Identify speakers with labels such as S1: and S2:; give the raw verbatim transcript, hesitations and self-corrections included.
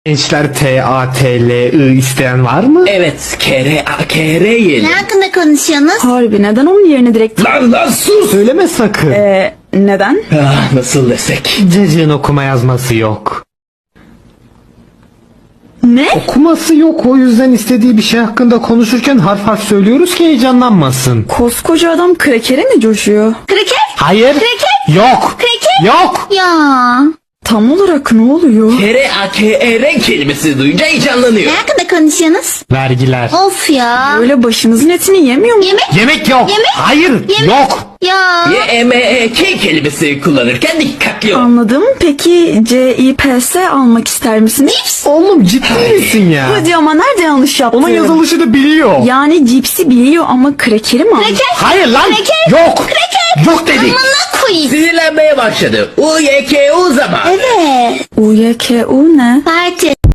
S1: Gençler T A T L I isteyen var mı?
S2: Evet, kere a kere yiyelim.
S3: Ne hakkında konuşuyorsunuz?
S4: Harbi neden onun yerine direkt...
S2: Lan lan sus!
S1: Söyleme sakın.
S4: Ee, neden?
S2: Ah, nasıl desek?
S1: Cacığın okuma yazması yok.
S4: Ne?
S1: Okuması yok, o yüzden istediği bir şey hakkında konuşurken harf harf söylüyoruz ki heyecanlanmasın.
S4: Koskoca adam krekere mi coşuyor?
S3: Kraker?
S1: Hayır.
S3: Kreket?
S1: Yok.
S3: Kreket?
S1: Yok.
S3: Ya.
S4: Tam olarak ne oluyor?
S2: Kere a kere kelimesi duyunca heyecanlanıyor.
S3: Ne hakkında konuşuyorsunuz?
S1: Vergiler.
S3: Of ya.
S4: Öyle başımızın etini yemiyor mu?
S3: Yemek?
S1: Yemek yok.
S3: Yemek?
S1: Hayır.
S3: Yemek?
S1: Yok.
S3: Ya.
S2: Y e m e k kelimesi kullanırken dikkatli ol.
S4: Anladım. Peki C I P S almak ister misiniz?
S3: Cips?
S1: Oğlum ciddi misin ya?
S4: Hadi ama nerede yanlış yaptım?
S1: Onun yazılışını biliyor.
S4: Yani cipsi biliyor ama krekeri mi almış?
S3: Kraker?
S1: Hayır lan.
S3: Kreket?
S1: Yok.
S3: Kreket?
S1: Yok dedik.
S3: Amına koyayım.
S2: Sinirlenmeye başladı. U y k u zaman.
S3: Evet.
S4: U Y K U ne?
S3: Parti.